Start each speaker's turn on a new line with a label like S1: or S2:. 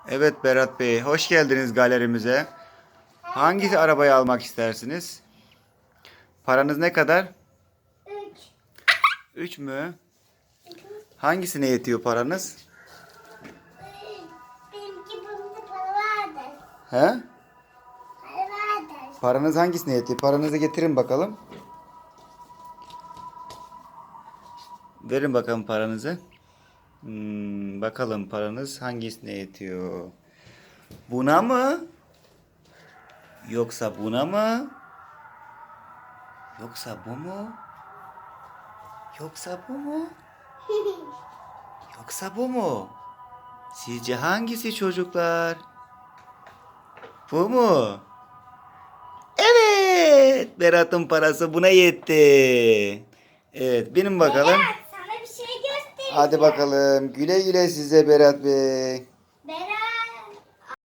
S1: Evet Berat Bey, hoş geldiniz galerimize. Hangi arabayı almak istersiniz? Paranız ne kadar?
S2: 3.
S1: 3 mü? Hangisine yetiyor paranız?
S2: Benimki bunda para vardır.
S1: He?
S2: Para vardır.
S1: Paranız hangisine yetiyor? Paranızı getirin bakalım. Verin bakalım paranızı. Bakalım paranız hangisine yetiyor? Buna mı? Yoksa buna mı? Yoksa bu mu? Yoksa bu mu? Yoksa bu mu? Sizce hangisi çocuklar? Bu mu? Evet. Berat'ın parası buna yetti. Evet, benim bakalım.
S2: Berat, sana bir şey göstereceğim.
S1: Hadi bakalım. Güle güle size Berat Bey.